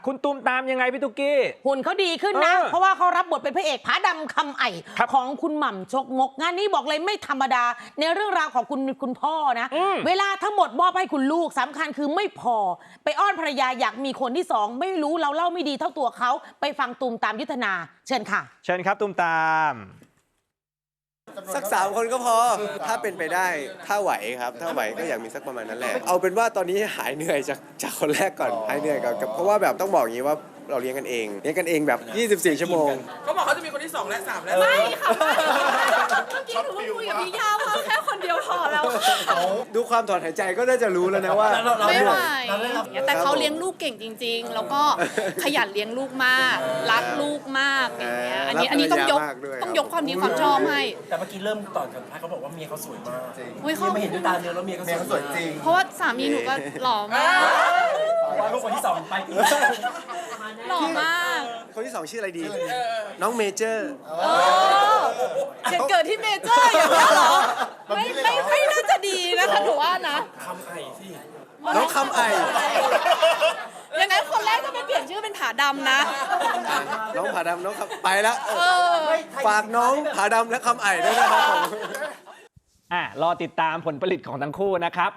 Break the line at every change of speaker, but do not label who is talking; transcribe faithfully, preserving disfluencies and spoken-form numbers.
คุณตูมตามยังไงพี่ตุ๊กกี้
หุ่นเขาดีขึ้นนะเพราะว่าเขารับบทเป็นพระเอกผาดำคำไอของคุณหม่ำจกมกงานนี้บอกเลยไม่ธรรมดาในเรื่องราวของคุณคุณพ่อนะเวลาทั้งหมดมอบให้คุณลูกสำคัญคือไม่พอไปอ้อนภรรยาอยากมีคนที่สองไม่รู้เราเล่าไม่ดีเท่าตัวเขาไปฟังตูมตามยุทธนาเชิญค่ะ
เชิญครับตูมตาม
สักสามคนก็พอถ้าเป็นไปได้ถ้าไหวครับถ้าไหวก็อยากมีสักประมาณนั้นแหละเอาเป็นว่าตอนนี้หายเหนื่อยจากจากคนแรกก่อนหายเหนื่อยก่อนเพราะว่าแบบต้องบอกอย่างนี้ว่าเราเลี้ยงกันเองเลี้ยงกันเองแบบยี่สิบสี่ชั่วโมง
เขาบอกเขาจะมีคนที่สองและสามแล้ว
ไม่ค่ะเมื่อกี้หนูคุยกับพี่ยาว่าแค่คนเดียวพอแล้ว
ดูความถอนหายใจก็น่าจะรู้แล้วนะว่า
ไม่ไหวแต่เขาเลี้ยงลูกเก่งจริงๆแล้วก็ขยันเลี้ยงลูกมากรักลูกมากอย่างเงี้ยอันนี้อันนี้ต้องยกต้องยกความดีความชอบให้
แต่เมื่อกี้เริ่มต่อนกันเขาบอกว่าเมียเขาสวยมาก
อุ้ยเขา
ไม่เห็นด้วยตาเนื้อแล้วเมียเขาสวยจริง
เพราะว่าสามีหนูก็หล่อมาก
ว่าลูกคนที่สองไป
หล่อมาก
คนที่สองชื่ออะไรดีน้องเมเจอร์
เกิดเกิดที่เมเจอร์อย่างนี้เหรอไม่ไม่ไม่น่าจะดีนะคะหนูว่านะ
คำไอ้สิ
น้องคำไอ
ยังไงคนแรกจะไปเปลี่ยนชื่อเป็นผาดำนะ
น้องผาดำน้องคำไปแล้วฝากน้องผาดำและคำไอด้วยนะครับผม
อ่ะรอติดตามผลผลิตของทั้งคู่นะครับ